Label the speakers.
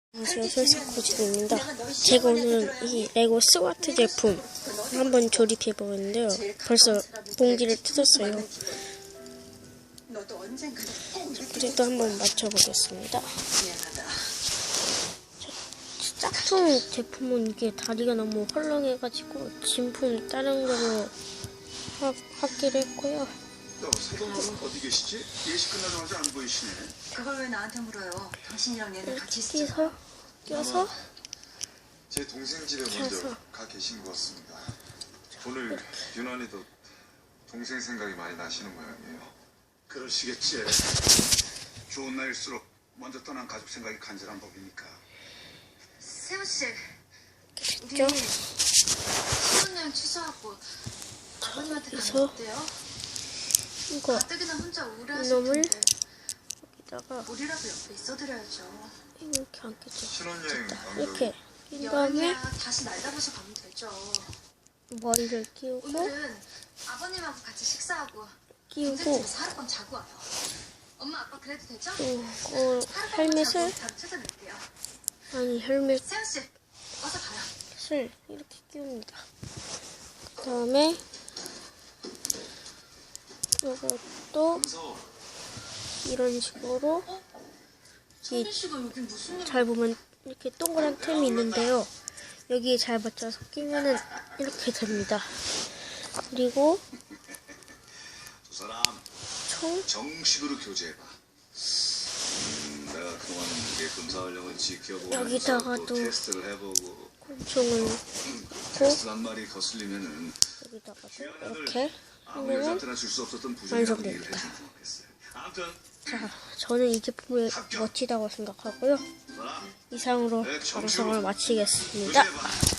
Speaker 1: 안녕하세요, 솔사코지입니다. 제가 오늘은 이 레고 스와트 제품 한번 조립해보는데요. 벌써 봉지를 뜯었어요. 그래도 한번 맞춰보겠습니다. 짝퉁 제품은 이게 다리가 너무 헐렁해가지고 진품 다른 걸로 하기로 했고요.
Speaker 2: 세동님은 어디 계시지? 예식 끝나자마자 안 보이시네.
Speaker 3: 그걸 왜 나한테 물어요? 당신이랑 얘는 같이
Speaker 1: 끼서 껴서
Speaker 2: 제 동생 집에 먼저 가 계신 것 같습니다. 오늘 유난히도 동생 생각이 많이 나시는 모양이에요. 그러시겠지. 좋은 날일수록 먼저 떠난 가족 생각이 간절한 법이니까.
Speaker 3: 세호 씨, 우리
Speaker 1: 껴
Speaker 3: 신혼여행 취소하고 아버님한테 가면
Speaker 1: 그래서
Speaker 3: 어때요?
Speaker 1: 이거
Speaker 3: 가뜩이나 혼자 우울해하실
Speaker 1: 이놈을
Speaker 3: 텐데
Speaker 1: 여기다가
Speaker 3: 우리라도 옆에 있어드려야죠.
Speaker 1: 이렇게 안겠죠.
Speaker 2: 신혼여행
Speaker 1: 이렇게 낀 다음에
Speaker 3: 여행이야 다시 날 잡아서 가면 되죠.
Speaker 1: 머리를 끼우고
Speaker 3: 오늘은 아버님하고 같이 식사하고
Speaker 1: 끼우고
Speaker 3: 동생집에서 하룻밤 자고 와요. 엄마 아빠 그래도 되죠?
Speaker 1: 또
Speaker 3: 하룻밤
Speaker 1: 헬멧을
Speaker 3: 자고 바로 찾아낼게요.
Speaker 1: 아니 헬멧을
Speaker 3: 세호 씨, 어서 가요.
Speaker 1: 이렇게 끼웁니다. 그 다음에 이것도 이런 식으로
Speaker 3: 성빈 씨가 여기 무슨 일?
Speaker 1: 잘 보면 이렇게 동그란 틈이 있는데요. 여기에 잘 맞춰서 끼면은 이렇게 됩니다. 그리고
Speaker 2: 두 사람
Speaker 1: 총
Speaker 2: 정식으로 교제해봐. 내가 그동안 이게 금사활령을 지켜보고
Speaker 1: 여기다가도
Speaker 2: 또 테스트를 해보고
Speaker 1: 곤충을 넣고
Speaker 2: 테스트 한 마리 거슬리면은
Speaker 1: 여기다가도 이렇게
Speaker 2: 아무
Speaker 1: 하면은
Speaker 2: 여자한테나 줄 수 없었던 부정이라고
Speaker 1: 완성됩니다.
Speaker 2: 얘기를 해주면 좋겠어요. 아무튼
Speaker 1: 자, 저는 이 제품을 멋지다고 생각하고요. 이상으로 방송을 마치겠습니다.
Speaker 2: 교제해봐.